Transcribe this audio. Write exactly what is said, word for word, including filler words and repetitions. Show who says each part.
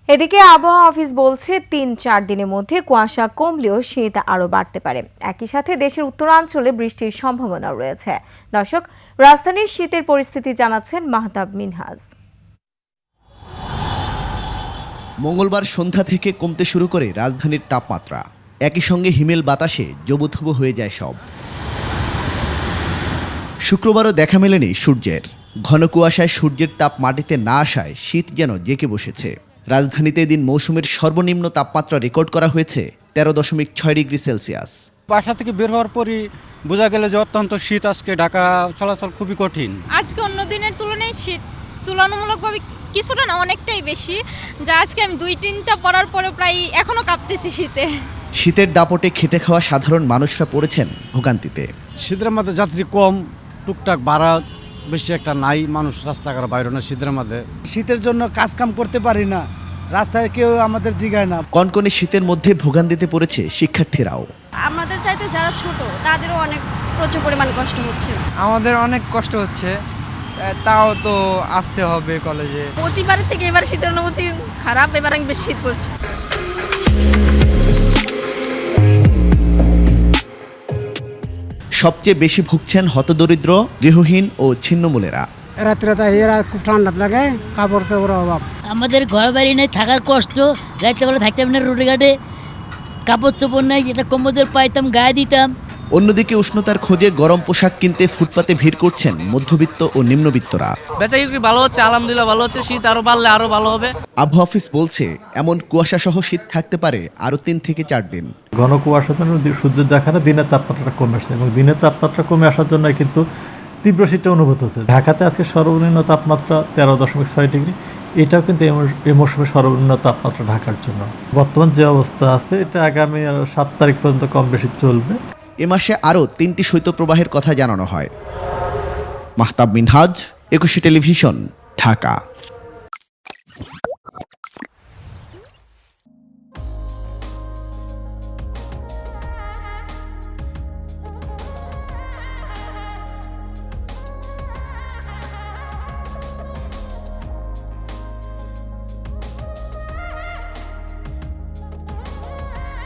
Speaker 1: এদিকে আবহাওয়া অফিস বলছে তিন চার দিনের মধ্যে কুয়াশা কমলেও শীত আরও বাড়তে পারে। একই সাথে দেশের উত্তরাঞ্চলে বৃষ্টির সম্ভাবনা রয়েছে। দর্শক, রাজধানীর শীতের পরিস্থিতি জানাচ্ছেন মাহতাব মিনহাজ।
Speaker 2: মঙ্গলবার সন্ধ্যা থেকে কমতে শুরু করে রাজধানীর তাপমাত্রা। একই সঙ্গে হিমেল বাতাসে জবুথবু হয়ে যায় সব। শুক্রবারও দেখা মেলেনি সূর্যের। ঘন কুয়াশায় সূর্যের তাপ মাটিতে না আসায় শীত যেন জেঁকে বসেছে। রাজধানীতে এদিন মৌসুমের সর্বনিম্ন তাপমাত্রা রেকর্ড করা হয়েছে তেরো দশমিক ছয় ডিগ্রি সেলসিয়াস।
Speaker 3: বাসা থেকে বের হওয়ার পরই বোঝা গেল যে অত্যন্ত শীত। আজকে ঢাকা চলাচল খুবই কঠিন।
Speaker 4: আজকে অন্য দিনের তুলনায় শীত তুলনামূলকভাবে কিছুটা না অনেকটাই বেশি, যা আজকে আমি দুই তিনটা পরার পরে প্রায় এখনো কাঁপতেছি শীতে।
Speaker 2: শীতের দাপটে খেটে খাওয়া সাধারণ মানুষরা পড়েছেন ভোগান্তিতে।
Speaker 3: শীতের মধ্যে যাত্রী কম, টুকটাক ভাড়া বেশি একটা নাই, মানুষ রাস্তাঘাট বাইরে না শীতের মধ্যে।
Speaker 5: শীতের জন্য কাজ কাম করতে পারি না, রাস্তায় কেউ আমাদের জিগায় না।
Speaker 2: কনকনে শীতের মধ্যে ভোগান্তিতে পড়েছে শিক্ষার্থীরাও।
Speaker 6: আমাদের চাইতে যারা ছোট তাদেরও অনেক প্রচুর পরিমাণ কষ্ট হচ্ছে।
Speaker 7: আমাদের অনেক কষ্ট হচ্ছে, তাও তো আসতে হবে কলেজে।
Speaker 6: প্রতিবারের থেকে এবার শীতের অনুভূতি খারাপ, এবার আমি বেশি শীত পড়ছে।
Speaker 2: সবচেয়ে বেশি ভুগছেন হতদরিদ্র, গৃহহীন ও ছিন্নমূলেরা।
Speaker 8: রাত্রে এরা খুব ঠান্ডা লাগে, কাপড় চোপড়ের অভাব।
Speaker 9: আমাদের ঘর বাড়ি নেই, থাকার কষ্ট, রাত্রে বেলা থাকতে হবে না, রোডে ঘাটে কাপড় চোপড় নেই, যেটা কম্বল পাইতাম গায়ে দিতাম।
Speaker 2: অন্যদিকে উষ্ণতার খোঁজে গরম পোশাক কিনতে ফুটপাতে ভিড় করছেন মধ্যবিত্ত ও নিম্নবিত্তরা।
Speaker 10: বেচা বিক্রি ভালো হচ্ছে, আলহামদুলিল্লাহ ভালো হচ্ছে। শীত আরো বাড়লে আরো ভালো হবে।
Speaker 2: আবহাওয়া অফিস বলছে এমন কুয়াশা সহ শীত থাকতে পারে আরো তিন থেকে চার দিন।
Speaker 11: ঘন কুয়াশার জন্য সূর্যের দেখানো দিনের তাপমাত্রাটা কমে আসছে এবং দিনের তাপমাত্রা কমে আসার জন্য কিন্তু তীব্র শীতটা অনুভূত হচ্ছে। ঢাকাতে আজকে সর্বনিম্ন তাপমাত্রা তেরো দশমিক ছয় ডিগ্রি, এটাও কিন্তু এই মৌসুমে সর্বনিম্ন তাপমাত্রা ঢাকার জন্য। বর্তমান যে অবস্থা আছে এটা আগামী সাত তারিখ পর্যন্ত কম বেশি চলবে।
Speaker 2: এ মাসে আরও তিনটি শৈত্যপ্রবাহের কথা জানানো হয়। মাহতাব মিনহাজ, একুশে টেলিভিশন, ঢাকা।